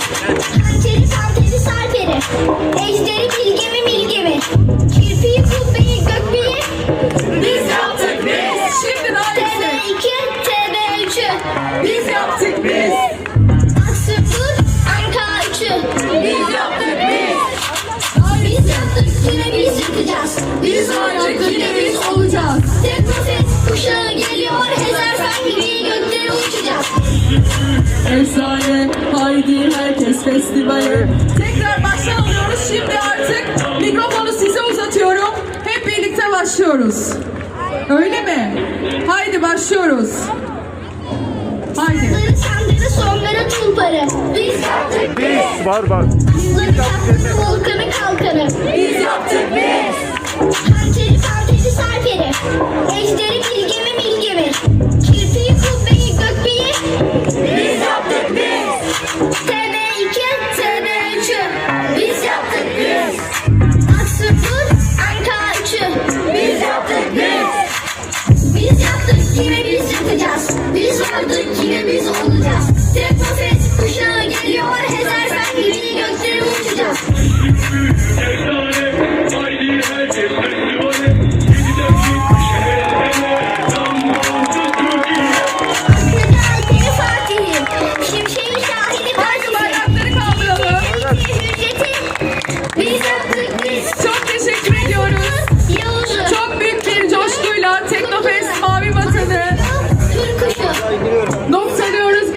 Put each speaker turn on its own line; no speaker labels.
Hançeri santeri sarperi, ejderi bilgemi milgemi, kirpiyi kubbeyi gökbeyi
Biz yaptık biz. Şimdi daha yüksek.
TB2 TB3'ü
Biz yaptık biz.
Aksırtır Anka 3'ü
Biz yaptık biz.
Biz yaptık yine biz yapacağız.
Biz vardık yine biz olacağız.
Teknofest kuşağı geliyor, Hezarfen gibi göklere uçacağız.
Efsane, haydi herkes festivale. Tekrar baştan alıyoruz. Şimdi artık mikrofonu size uzatıyorum. Hep birlikte başlıyoruz. Öyle mi? Haydi başlıyoruz. Haydi.
Sarı sandalye sonlara tulparı. Biz yaptık biz.
Var.
Aslanı çapkını volkanı kalkanı.
Biz yaptık biz.
Hançeri santeri sarperi, ejderi bilgemi milgemi, kirpiyi kubbeyi gökbeyi
Biz yaptık biz.
TB2 TB3'ü
Biz yaptık biz.
Aksırtır Anka 3'ü
Biz yaptık biz.
Biz yaptık yine biz yapacağız. Biz vardık yine biz olacağız. Teknofest kuşağı